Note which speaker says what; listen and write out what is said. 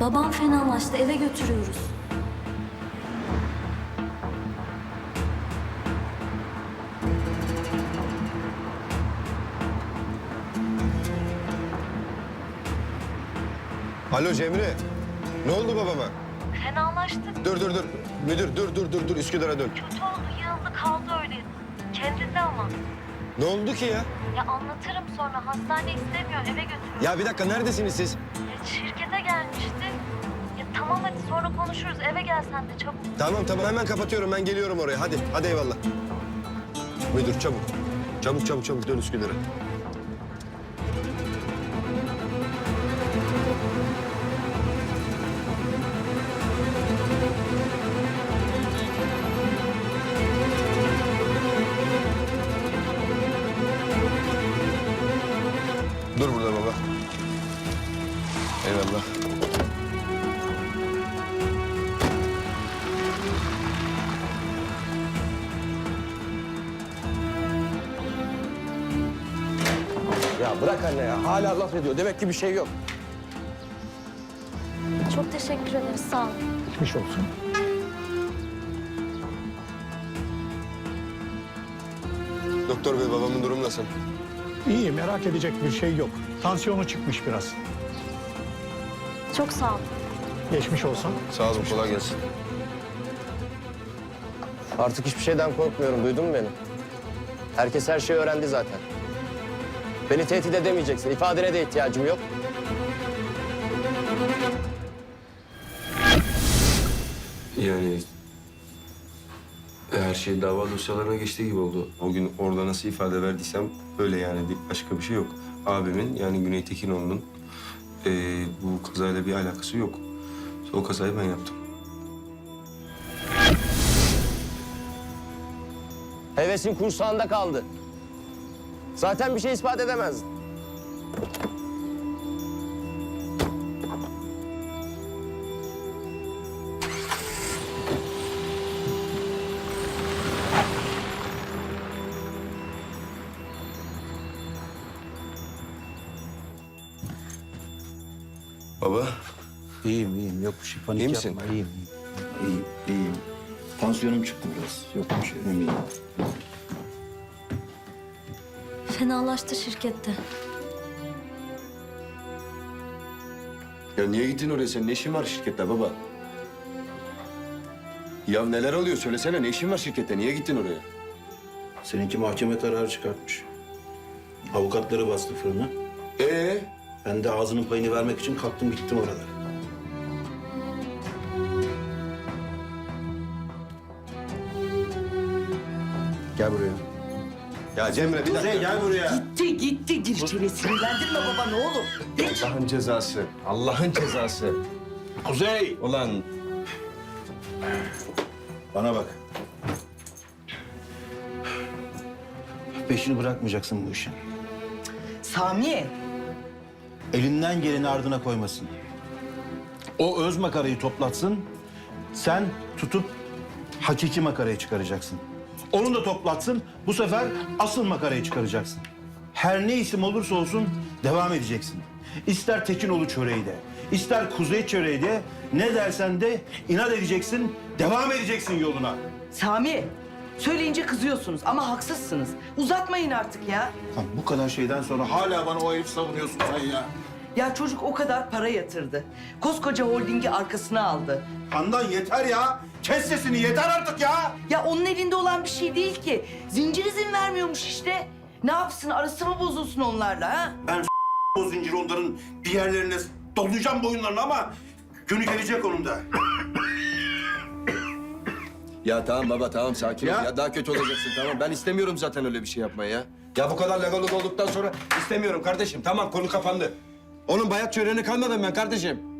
Speaker 1: Babam fenalaştı, eve götürüyoruz.
Speaker 2: Alo Cemre. Ne oldu babama?
Speaker 1: Fenalaştı.
Speaker 2: Dur. Müdür dur. Üsküdar'a dön.
Speaker 1: Kötü oldu, yığıldı kaldı öyle. Kendinde ama.
Speaker 2: Ne oldu ki ya?
Speaker 1: Ya anlatırım sonra. Hastane istemiyor, eve götürüyoruz.
Speaker 2: Ya bir dakika neredesiniz siz?
Speaker 1: Ya şirkete gelmişti. Ya tamam hadi sonra konuşuruz. Eve gel sen de çabuk.
Speaker 2: Tamam hemen kapatıyorum ben geliyorum oraya. Hadi eyvallah. Müdür çabuk. Çabuk dön Üsküdar'a. Dur burada baba. Eyvallah.
Speaker 3: Ya bırak anne ya. Hala laf ediyor. Demek ki bir şey yok.
Speaker 1: Çok teşekkür ederiz, sağ ol.
Speaker 4: Geçmiş olsun.
Speaker 2: Doktor bey babamın durumu nasıl?
Speaker 4: İyi, merak edecek bir şey yok. Tansiyonu çıkmış biraz.
Speaker 1: Çok sağ ol.
Speaker 4: Geçmiş olsun.
Speaker 2: Sağ olun kolay gelsin.
Speaker 3: Artık hiçbir şeyden korkmuyorum. Duydun mu beni? Herkes her şeyi öğrendi zaten. Beni tehdit edemeyeceksin. İfadene de ihtiyacım yok.
Speaker 5: Yani her şey dava dosyalarına geçtiği gibi oldu.
Speaker 2: O gün orada nasıl ifade verdiysem öyle yani başka bir şey yok. Abimin yani Güney Tekinoğlu'nun bu kazayla bir alakası yok. O kazayı ben yaptım.
Speaker 3: Hevesin kursağında kaldı. Zaten bir şey ispat edemezdin.
Speaker 2: Baba
Speaker 6: İyiyim. Yok bir şey. Panik
Speaker 2: İyi misin?
Speaker 6: yapma. İyiyim. Tansiyonum çıktı biraz. Yok bir şey. Iyiyim.
Speaker 1: Fenalaştı şirkette.
Speaker 2: ya niye gittin oraya sen? Ne işin var şirkette baba? Ya neler oluyor söylesene ne işin var şirkette? Niye gittin oraya?
Speaker 6: Seninki mahkeme kararı çıkartmış. Avukatları bastı fırına. Ben de ağzının payını vermek için kalktım gittim oralara. Gel buraya.
Speaker 2: Ya Cemre bir dakika.
Speaker 6: Kuzey gel buraya.
Speaker 7: Gitti. Dirçeli sinirlendirme baba ne olur. Geç.
Speaker 2: Allah'ın cezası. Allah'ın cezası.
Speaker 6: Kuzey.
Speaker 2: Ulan
Speaker 6: Bana bak. Peşini bırakmayacaksın bu işin.
Speaker 7: Sami.
Speaker 6: Elinden geleni ardına koymasın. O öz makarayı toplatsın. Sen tutup hakiki makarayı çıkaracaksın. Onu da toplatsın. Bu sefer asıl makarayı çıkaracaksın. Her ne isim olursa olsun devam edeceksin. İster Tekinoğlu çöreği de, ister Kuzey çöreği de, ne dersen de inat edeceksin, devam edeceksin yoluna.
Speaker 7: Sami. Söyleyince kızıyorsunuz ama haksızsınız. Uzatmayın artık ya.
Speaker 6: Lan bu kadar şeyden sonra hala bana o herif savunuyorsun sen ya.
Speaker 7: Ya çocuk o kadar para yatırdı. Koskoca holdingi arkasına aldı.
Speaker 6: Handan yeter ya. Kes sesini yeter artık ya.
Speaker 7: Ya onun elinde olan bir şey değil ki. Zincir izin vermiyormuş işte. Ne yapsın arası mı bozulsun onlarla ha?
Speaker 6: Ben o zinciri onların bir yerlerine dolayacağım boyunlarını ama günü gelecek onun da.
Speaker 2: ya tamam baba tamam sakin ol
Speaker 6: Ya.
Speaker 2: ya. Daha kötü olacaksın tamam. Ben istemiyorum zaten öyle bir şey yapmayı ya. Ya bu kadar legal olduktan sonra istemiyorum kardeşim. Tamam konu kapandı. Onun bayat çöreğine kalmadım ben kardeşim.